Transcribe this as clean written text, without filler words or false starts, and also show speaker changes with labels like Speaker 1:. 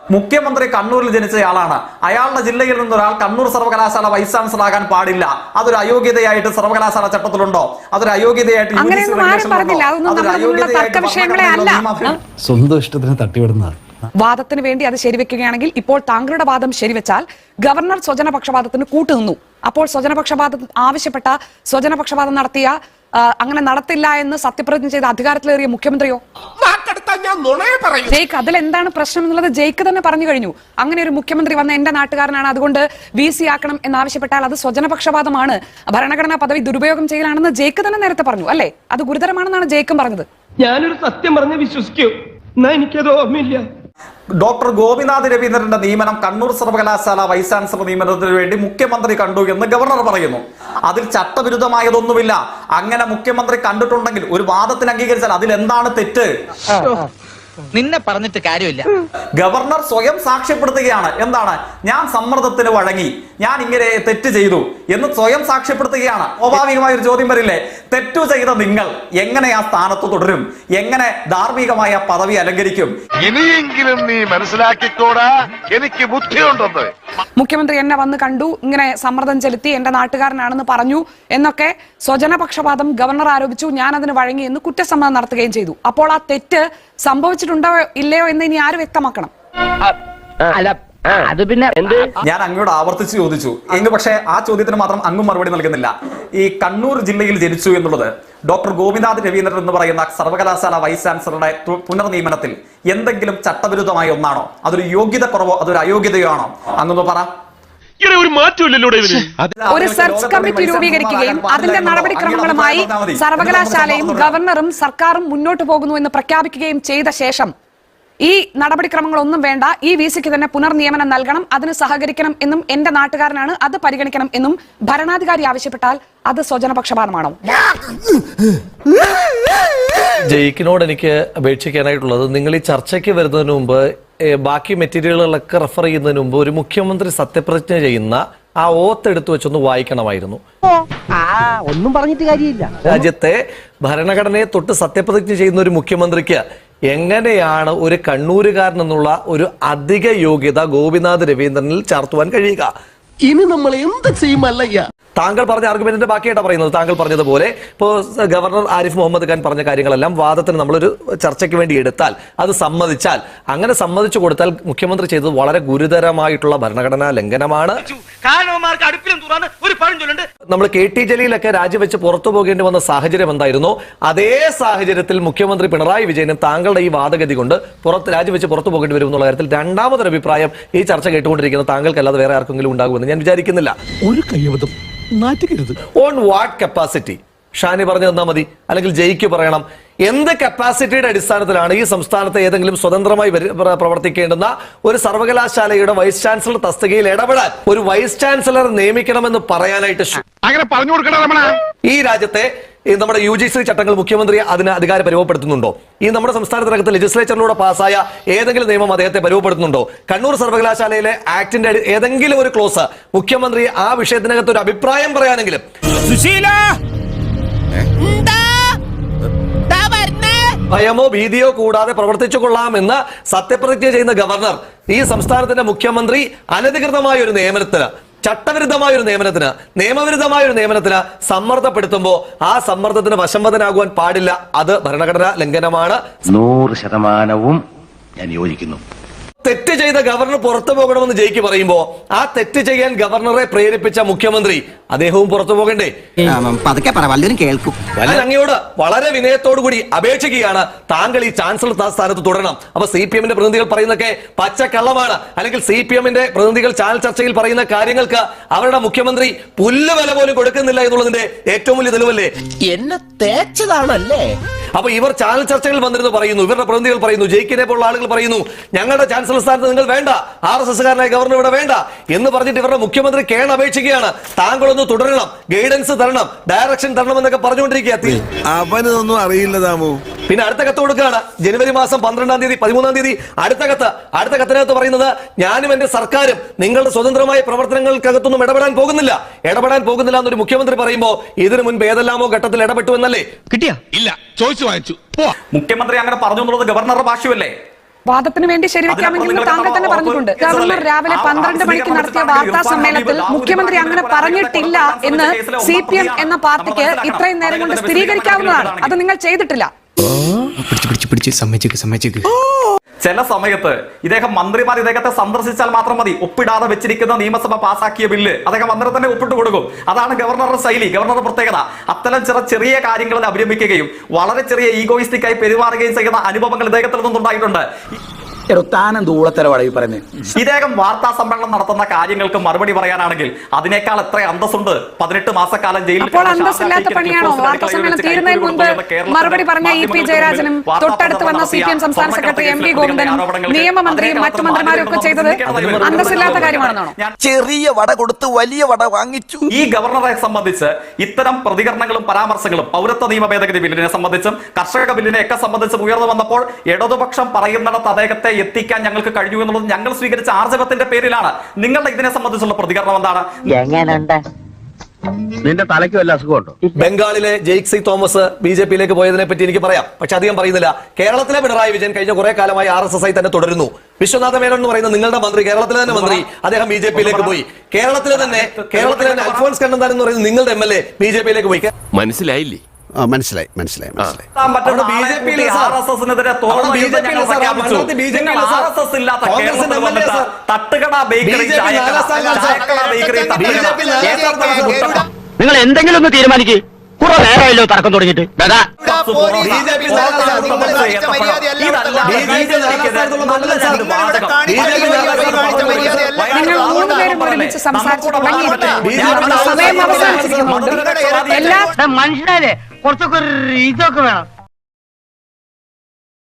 Speaker 1: മുഖ്യമന്ത്രി കണ്ണൂരിൽ ജനിച്ചയാളാണ്. അയാളുടെ ജില്ലയിൽ നിന്നൊരാൾ കണ്ണൂർ സർവകലാശാല വൈസ് ചാൻസലർ ആകാൻ പാടില്ല. അതൊരു അയോഗ്യതയായിട്ട് സർവകലാശാല ചട്ടത്തിലുണ്ടോ? അതൊരു അയോഗ്യതയായിട്ട്
Speaker 2: സ്വന്തം ഇഷ്ടത്തിന് തട്ടിവിടുന്നതാണ്.
Speaker 3: വാദത്തിന് വേണ്ടി അത് ശരിവെക്കുകയാണെങ്കിൽ ഇപ്പോൾ താങ്കളുടെ വാദം ശരിവെച്ചാൽ ഗവർണർ സ്വജനപക്ഷപാതത്തിന് കൂട്ടുനിന്നു. അപ്പോൾ സ്വജനപക്ഷപാതം ആവശ്യപ്പെട്ട സ്വജനപക്ഷപാതം നടത്തിയ അങ്ങനെ നടത്തില്ല എന്ന് സത്യപ്രതിജ്ഞ ചെയ്ത അധികാരത്തിലേറിയ മുഖ്യമന്ത്രിയോ? ജയ്ക്ക് അതിൽ എന്താണ് പ്രശ്നം എന്നുള്ളത് ജയ്ക്ക് തന്നെ പറഞ്ഞു കഴിഞ്ഞു. അങ്ങനെ ഒരു മുഖ്യമന്ത്രി വന്ന എന്റെ നാട്ടുകാരനാണ്, അതുകൊണ്ട് VC ആക്കണം എന്നാവശ്യപ്പെട്ടാൽ അത് സ്വജനപക്ഷപാതമാണ്, ഭരണഘടനാ പദവി ദുരുപയോഗം ചെയ്യലാണെന്ന് ജയ്ക്ക് തന്നെ നേരത്തെ പറഞ്ഞു അല്ലേ? അത് ഗുരുതരമാണെന്നാണ് ജയ്ക്കും പറഞ്ഞത്.
Speaker 4: ഞാനൊരു സത്യം പറഞ്ഞ് വിശ്വസിക്കൂ, എനിക്കത് ഓർമ്മയില്ല.
Speaker 1: ഡോക്ടർ ഗോപിനാഥ് രവീന്ദ്രന്റെ നിയമനം കണ്ണൂർ സർവകലാശാല വൈസ് ചാൻസലർ നിയമനത്തിന് വേണ്ടി മുഖ്യമന്ത്രി കണ്ടു എന്ന് ഗവർണർ പറയുന്നു. അതിൽ ചട്ടവിരുദ്ധമായതൊന്നുമില്ല. അങ്ങനെ മുഖ്യമന്ത്രി കണ്ടിട്ടുണ്ടെങ്കിൽ ഒരു വാദത്തിന് അംഗീകരിച്ചാൽ അതിൽ എന്താണ് തെറ്റ്?
Speaker 5: നിന്നെ പറഞ്ഞിട്ട് കാര്യമില്ല.
Speaker 1: ഗവർണർ സ്വയം സാക്ഷ്യപ്പെടുത്തുകയാണ്. എന്താണ്? ഞാൻ സമ്മർദ്ദത്തിന് വഴങ്ങി, ഞാൻ ഇങ്ങനെ തെറ്റ് ചെയ്തു എന്ന് സ്വയം സാക്ഷ്യപ്പെടുത്തുകയാണ്. സ്വാഭാവികമായ ഒരു ചോദ്യം വരില്ലേ, തെറ്റു ചെയ്ത നിങ്ങൾ എങ്ങനെ ആ സ്ഥാനത്ത് തുടരും? എങ്ങനെ ധാർമ്മികമായ പദവി അലങ്കരിക്കും?
Speaker 6: ഇനിയെങ്കിലും നീ മനസ്സിലാക്കിക്കോടാ, എനിക്ക് ബുദ്ധിയുണ്ടെന്ന്.
Speaker 3: മുഖ്യമന്ത്രി എന്നെ വന്ന് കണ്ടു, ഇങ്ങനെ സമ്മർദ്ദം ചെലുത്തി, എന്റെ നാട്ടുകാരനാണെന്ന് പറഞ്ഞു എന്നൊക്കെ സ്വജനപക്ഷപാതം ഗവർണർ ആരോപിച്ചു. ഞാൻ അതിന് വഴങ്ങി എന്ന് കുറ്റസമ്മതം നടത്തുകയും ചെയ്തു. അപ്പോൾ ആ തെറ്റ് സംഭവിച്ചിട്ടുണ്ടോ ഇല്ലയോ എന്ന് ഇനി ആര് വ്യക്തമാക്കണം?
Speaker 4: അത് പിന്നെ
Speaker 1: ഞാൻ അങ്ങോട്ട് ആവർത്തിച്ച് ചോദിച്ചു എങ്കിൽ പക്ഷേ ആ ചോദ്യത്തിന് മാത്രം അങ്ങും മറുപടി നൽകുന്നില്ല. ഈ കണ്ണൂർ ജില്ലയിൽ ജനിച്ചു എന്നുള്ളത് ഡോക്ടർ ഗോപിനാഥ് രവീന്ദ്രൻ എന്ന് പറയുന്ന സർവകലാശാല വൈസ് ചാൻസലറുടെ പുനർനിയമനത്തിൽ എന്തെങ്കിലും ചട്ടവിരുദ്ധമായ ഒന്നാണോ? അതൊരു യോഗ്യത കുറവോ അതൊരു അയോഗ്യതയോ ആണോ? അങ്ങൊന്ന് പറ.
Speaker 3: ഒരു സെർച്ച് കമ്മിറ്റി രൂപീകരിക്കുകയും അതിന്റെ നടപടിക്രമങ്ങളുമായി സർവകലാശാലയും ഗവർണറും സർക്കാരും മുന്നോട്ട് പോകുന്നു എന്ന് പ്രഖ്യാപിക്കുകയും ചെയ്ത ശേഷം ഈ നടപടിക്രമങ്ങളൊന്നും വേണ്ട, ഈ VCക്ക് തന്നെ പുനർനിയമനം നൽകണം, അതിന് സഹകരിക്കണം എന്നും എന്റെ നാട്ടുകാരനാണ്, അത് പരിഗണിക്കണം എന്നും ഭരണാധികാരി ആവശ്യപ്പെട്ടാൽ അത് സ്വജനപക്ഷപാതമാണോ?
Speaker 7: ജയിക്കിനോട് എനിക്ക് അപേക്ഷിക്കാനായിട്ടുള്ളത്, നിങ്ങൾ ഈ ചർച്ചയ്ക്ക് വരുന്നതിന് മുമ്പ് ബാക്കി മെറ്റീരിയലുകളൊക്കെ റെഫർ ചെയ്യുന്നതിന് മുമ്പ് ഒരു മുഖ്യമന്ത്രി സത്യപ്രതിജ്ഞ ചെയ്യുന്ന ആ ഓത്ത് എടുത്തു വെച്ചൊന്ന് വായിക്കണമായിരുന്നു.
Speaker 4: ഒന്നും പറഞ്ഞിട്ട് കാര്യമില്ല.
Speaker 7: രാജ്യത്തെ ഭരണഘടനയെ തൊട്ട് സത്യപ്രതിജ്ഞ ചെയ്യുന്ന ഒരു മുഖ്യമന്ത്രിക്ക് എങ്ങനെയാണ് ഒരു കണ്ണൂരുകാരൻ എന്നുള്ള ഒരു അധിക യോഗ്യത ഗോപിനാഥ് രവീന്ദ്രനിൽ ചാർത്തുവാൻ കഴിയുക?
Speaker 4: ഇനി നമ്മൾ എന്ത് ചെയ്യുമല്ലയ്യ?
Speaker 7: താങ്കൾ പറഞ്ഞ ആർഗ്യുമെന്റിന്റെ ബാക്കിയായിട്ടാണ് പറയുന്നത്. താങ്കൾ പറഞ്ഞതുപോലെ ഇപ്പോൾ ഗവർണർ ആരിഫ് മുഹമ്മദ് ഖാൻ പറഞ്ഞ കാര്യങ്ങളെല്ലാം വാദത്തിന് നമ്മളൊരു ചർച്ചയ്ക്ക് വേണ്ടി എടുത്താൽ, അത് സമ്മതിച്ചാൽ, അങ്ങനെ സമ്മതിച്ചു കൊടുത്താൽ മുഖ്യമന്ത്രി ചെയ്തത് വളരെ ഗുരുതരമായിട്ടുള്ള ഭരണഘടനാ ലംഘനമാണ്. നമ്മൾ KT ജലീലൊക്കെ രാജിവെച്ച് പുറത്തു പോകേണ്ടി വന്ന സാഹചര്യം എന്തായിരുന്നു? അതേ സാഹചര്യത്തിൽ മുഖ്യമന്ത്രി പിണറായി വിജയനും താങ്കളുടെ ഈ വാദഗതി കൊണ്ട് രാജിവെച്ച് പുറത്തു പോകേണ്ടി വരും എന്നുള്ള കാര്യത്തിൽ രണ്ടാമതൊരു അഭിപ്രായം ഈ ചർച്ച കേട്ടുകൊണ്ടിരിക്കുന്ന താങ്കൾക്കല്ലാതെ വേറെ ആർക്കെങ്കിലും ഉണ്ടാകുമെന്ന് ഞാൻ വിചാരിക്കുന്നില്ല.
Speaker 2: ഒരു കയ്യബദ്ധം
Speaker 7: ഓൺ വാട്ട് കപ്പാസിറ്റി? ഷാനി പറഞ്ഞു തന്നാൽ മതി, അല്ലെങ്കിൽ ജയിക്ക് പറയണം. എന്ത് കപ്പാസിറ്റിയുടെ അടിസ്ഥാനത്തിലാണ് ഈ സംസ്ഥാനത്തെ ഏതെങ്കിലും സ്വതന്ത്രമായി പ്രവർത്തിക്കേണ്ടുന്ന ഒരു സർവകലാശാലയുടെ വൈസ് ചാൻസലർ തസ്തികയിൽ ഇടപെടാൻ ഒരു വൈസ് ചാൻസലർ നിയമിക്കണമെന്ന് പറയാനായിട്ട്
Speaker 6: അങ്ങനെ പറഞ്ഞു കൊടുക്കണം?
Speaker 7: ഈ രാജ്യത്തെ നമ്മുടെ UGC ചട്ടങ്ങൾ മുഖ്യമന്ത്രി അതിന് അധികാരം പരുവപ്പെടുത്തുന്നുണ്ടോ? ഈ നമ്മുടെ സംസ്ഥാനത്തിനകത്ത് ലെജിസ്ലേച്ചറിലൂടെ പാസ്സായ ഏതെങ്കിലും നിയമം അദ്ദേഹത്തെ പരുവപ്പെടുത്തുന്നുണ്ടോ? കണ്ണൂർ സർവകലാശാലയിലെ ആക്ടിന്റെ ഏതെങ്കിലും ഒരു ക്ലോസ് മുഖ്യമന്ത്രി ആ വിഷയത്തിനകത്ത് ഒരു അഭിപ്രായം പറയാനെങ്കിലും ഭയമോ ഭീതിയോ കൂടാതെ പ്രവർത്തിച്ചു കൊള്ളാമെന്ന് സത്യപ്രതിജ്ഞ ചെയ്യുന്ന ഗവർണർ ഈ സംസ്ഥാനത്തിന്റെ മുഖ്യമന്ത്രി അനധികൃതമായ ഒരു നിയമനത്തിന്, ചട്ടവിരുദ്ധമായ ഒരു നിയമനത്തിന്, നിയമവിരുദ്ധമായ ഒരു നിയമനത്തിന് സമ്മർദ്ദപ്പെടുത്തുമ്പോൾ ആ സമ്മർദ്ദത്തിന് വശംവദനാകുവാൻ പാടില്ല. അത് ഭരണഘടനാ ലംഘനമാണ്.
Speaker 8: 100% ഞാൻ യോജിക്കുന്നു.
Speaker 7: തെറ്റ് ചെയ്ത ഗവർണർ പുറത്തു പോകണമെന്ന് ജയിക്ക് പറയുമ്പോ ആ തെറ്റ് ചെയ്യാൻ ഗവർണറെ പ്രേരിപ്പിച്ച മുഖ്യമന്ത്രി അദ്ദേഹവും പുറത്തു പോകണ്ടേ? അങ്ങയോട് വളരെ വിനയത്തോടു കൂടി അപേക്ഷിക്കുകയാണ്, താങ്കൾ ഈ ചാൻസലർ സ്ഥാനത്ത് തുടരണം. അപ്പൊ CPM-ന്റെ പ്രതിനിധികൾ പറയുന്നതൊക്കെ പച്ചക്കള്ളമാണ്, അല്ലെങ്കിൽ CPM-ന്റെ പ്രതിനിധികൾ ചാനൽ ചർച്ചയിൽ പറയുന്ന കാര്യങ്ങൾക്ക് അവരുടെ മുഖ്യമന്ത്രി പുല്ലുവില പോലും കൊടുക്കുന്നില്ല എന്നുള്ളതിന്റെ ഏറ്റവും വലിയ തെളിവല്ലേ?
Speaker 4: എന്നെ തേച്ചതാണല്ലേ?
Speaker 7: അപ്പൊ ഇവർ ചാനൽ ചർച്ചകൾ വന്നിരുന്നു പറയുന്നു, ഇവരുടെ പ്രതിനിധികൾ പറയുന്നു, ജയിക്കിനെ പോലുള്ള ആളുകൾ പറയുന്നു, ഞങ്ങളുടെ ചാൻസലർ സ്ഥാനത്ത് നിങ്ങൾ വേണ്ട, RSS-കാരനായ ഗവർണർ ഇവിടെ വേണ്ട എന്ന് പറഞ്ഞിട്ട് ഇവരുടെ മുഖ്യമന്ത്രി അപേക്ഷിക്കുകയാണ്, താങ്കളൊന്ന് തുടരണം, ഗൈഡൻസ് തരണം, ഡയറക്ഷൻ തരണം എന്നൊക്കെ പറഞ്ഞുകൊണ്ടിരിക്കുക.
Speaker 9: അവനൊന്നും അറിയില്ല താമോ.
Speaker 7: പിന്നെ അടുത്ത കത്ത് കൊടുക്കുകയാണ്, ജനുവരി മാസം 12-ാം തീയതി 13-ാം തീയതി അടുത്ത കത്തിനകത്ത് പറയുന്നത്, ഞാനും എന്റെ സർക്കാരും നിങ്ങളുടെ സ്വതന്ത്രമായ പ്രവർത്തനങ്ങൾക്കകത്തൊന്നും ഇടപെടാൻ പോകുന്നില്ല എന്നൊരു മുഖ്യമന്ത്രി പറയുമ്പോ ഇതിനു മുൻപ് ഏതെല്ലാമോ ഘട്ടത്തിൽ ഇടപെട്ടു എന്നല്ലേ?
Speaker 9: കിട്ടിയ ഇല്ല, ചോദിച്ചു വാങ്ങിച്ചു.
Speaker 1: മുഖ്യമന്ത്രി അങ്ങനെ പറഞ്ഞു എന്നുള്ളത് ഗവർണറുടെ ഭാഷ്യമല്ലേ?
Speaker 3: വാദത്തിന് വേണ്ടി ശരിവെക്കാമെങ്കിൽ താങ്കൾ തന്നെ പറഞ്ഞിട്ടുണ്ട്. ഗവർണർ രാവിലെ 12 മണിക്ക് നടത്തിയ വാർത്താ സമ്മേളനത്തിൽ മുഖ്യമന്ത്രി അങ്ങനെ പറഞ്ഞിട്ടില്ല എന്ന് CPM എന്ന പാർട്ടിക്ക് ഇത്രയും നേരം കൊണ്ട് സ്ഥിരീകരിക്കാവുന്നതാണ്. അത് നിങ്ങൾ ചെയ്തിട്ടില്ല.
Speaker 1: ചില സമയത്ത് ഇദ്ദേഹം മന്ത്രിമാർ ഇദ്ദേഹത്തെ സന്ദർശിച്ചാൽ മാത്രം മതി, ഒപ്പിടാതെ വെച്ചിരിക്കുന്ന നിയമസഭ പാസാക്കിയ ബില്ല് അദ്ദേഹം അന്നേരം തന്നെ ഒപ്പിട്ട് കൊടുക്കും. അതാണ് ഗവർണറുടെ ശൈലി, ഗവർണറുടെ പ്രത്യേകത. അത്തരം ചെറിയ കാര്യങ്ങളിൽ അഭിരമിക്കുകയും വളരെ ചെറിയ ഈഗോയിസ്റ്റിക്കായി പെരുമാറുകയും ചെയ്യുന്ന അനുഭവങ്ങൾ ഇദ്ദേഹത്തിൽ നിന്നുണ്ടായിട്ടുണ്ട്. ഇദ്ദേഹം വാർത്താ സമ്മേളനം നടത്തുന്ന കാര്യങ്ങൾക്ക് മറുപടി പറയാനാണെങ്കിൽ അതിനേക്കാൾ എത്ര അന്തസ്സുണ്ട്. 18 മാസക്കാലം ജയിലിൽ
Speaker 3: അപ്പോൾ അന്തസ്സില്ലാത്ത പണിയാണോ വാർത്താ സമ്മേളനം തീരുന്നതിന് മുൻപ് മറുപടി പറഞ്ഞ EP ജയരാജനും തൊട്ടടുത്ത് വന്ന CPM സംസ്ഥാന സെക്രട്ടറി MV ഗോവിന്ദനും നിയമമന്ത്രിയും മറ്റു മന്ത്രിമാരും ഒക്കെ ചെയ്തത് അന്തസ്സില്ലാത്ത കാര്യമാണെന്നാണോ?
Speaker 5: ചെറിയ വട കൊടുത്ത് വലിയ വട വാങ്ങിച്ചു.
Speaker 1: ഈ ഗവർണറെ സംബന്ധിച്ച് ഇത്തരം പ്രതികരണങ്ങളും പരാമർശങ്ങളും പൗരത്വ നിയമ ഭേദഗതി ബില്ലിനെ സംബന്ധിച്ചും കർഷക ബില്ലിനെ ഒക്കെ സംബന്ധിച്ചും ഉയർന്നു വന്നപ്പോൾ ഇടതുപക്ഷം പറയുന്നിടത്ത് അദ്ദേഹത്തെ എത്തിക്കാൻ ഞങ്ങൾക്ക് കഴിഞ്ഞു എന്നുള്ളത് ഞങ്ങൾ സ്വീകരിച്ച ആർജവത്തിന്റെ പേരിലാണ്. നിങ്ങളുടെ ഇതിനെ സംബന്ധിച്ചുള്ള പ്രതികരണം എന്താണ്?
Speaker 8: നിന്റെ തലയ്ക്ക് വല്ല അസുഖമുണ്ടോ?
Speaker 7: ബംഗാളിലെ ജെയ്ക്സി തോമസ് BJP-യിലേക്ക് പോയതിനെ പറ്റി എനിക്ക് പറയാം, പക്ഷെ അധികം പറയുന്നില്ല. കേരളത്തിലെ പിണറായി വിജയൻ കഴിഞ്ഞ കുറെ കാലമായി RSS ആയി തന്നെ തുടരുന്നു. വിശ്വനാഥ മേനോൻ എന്ന് പറയുന്ന നിങ്ങളുടെ മന്ത്രി, കേരളത്തിലെ തന്നെ മന്ത്രി, അദ്ദേഹം BJP-യിലേക്ക് പോയി. കേരളത്തിലെ തന്നെ അൽഫോൺസ് കണ്ണന്താനം എന്ന് പറയുന്ന നിങ്ങളുടെ MLA BJP-യിലേക്ക് പോയി.
Speaker 9: മനസ്സിലായില്ലേ? മനസ്സിലായി.
Speaker 5: നിങ്ങൾ എന്തെങ്കിലും ഒന്ന് തീരുമാനിക്കേ. കുറെ നേരമല്ലോ തർക്കം തുടങ്ങിയിട്ട്.
Speaker 3: നിങ്ങൾ 3 പേരും ഒരുമിച്ച് സംസാരിച്ചു തുടങ്ങിയിട്ട് സമയം അവസാനിച്ചിരിക്കുന്നുണ്ട്. എല്ലാ
Speaker 5: മനുഷ്യരെ കുറച്ചൊക്കെ ഇതൊക്കെ വേണം.